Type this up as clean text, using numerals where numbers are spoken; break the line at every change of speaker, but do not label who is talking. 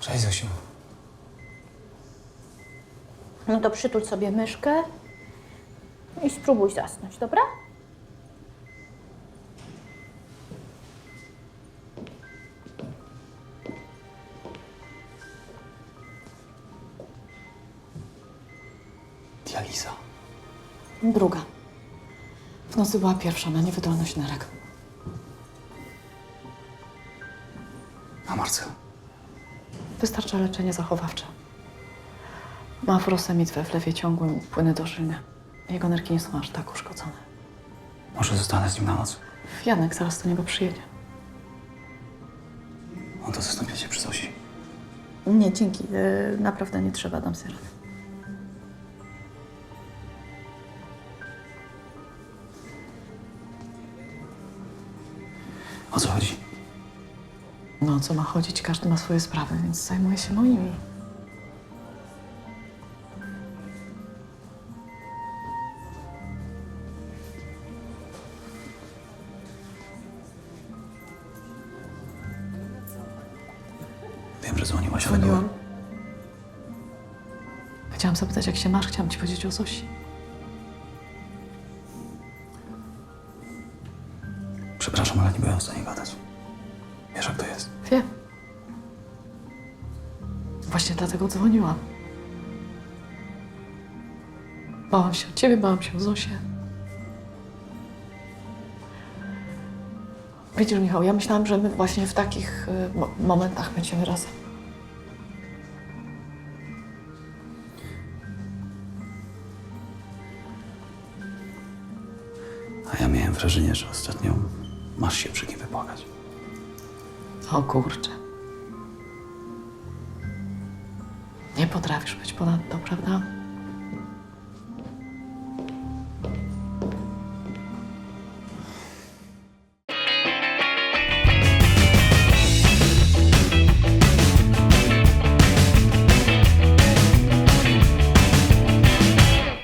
Cześć, Zosiu.
No to przytul sobie myszkę i spróbuj zasnąć, dobra?
Dializa.
Druga. W nocy była pierwsza na niewydolność nerek.
A Marcel?
Wystarcza leczenie zachowawcze. Ma furosemid we wlewie ciągłym, płyny dożylne. Jego nerki nie są aż tak uszkodzone.
Może zostanę z nim na noc?
Janek zaraz do niego przyjedzie.
On to zastąpię cię przy Zosi.
Nie, dzięki. Naprawdę nie trzeba, dam sobie radę.
O co chodzi?
No, o co ma chodzić? Każdy ma swoje sprawy, więc zajmuję się moimi.
Wiem, że dzwoniłaś, ale
Dzwoniłam. Chciałam zapytać, jak się masz. Chciałam ci powiedzieć o Zosi.
Przepraszam, ale nie byłem w stanie gadać. Wiesz, jak to jest.
Wiem. Właśnie dlatego dzwoniłam. Bałam się o ciebie, bałam się o Zosię. Widzisz, Michał, ja myślałam, że my właśnie w takich momentach będziemy razem.
A ja miałem wrażenie, że ostatnio masz się przy kim wypłakać.
O kurczę. Nie potrafisz być ponadto, prawda?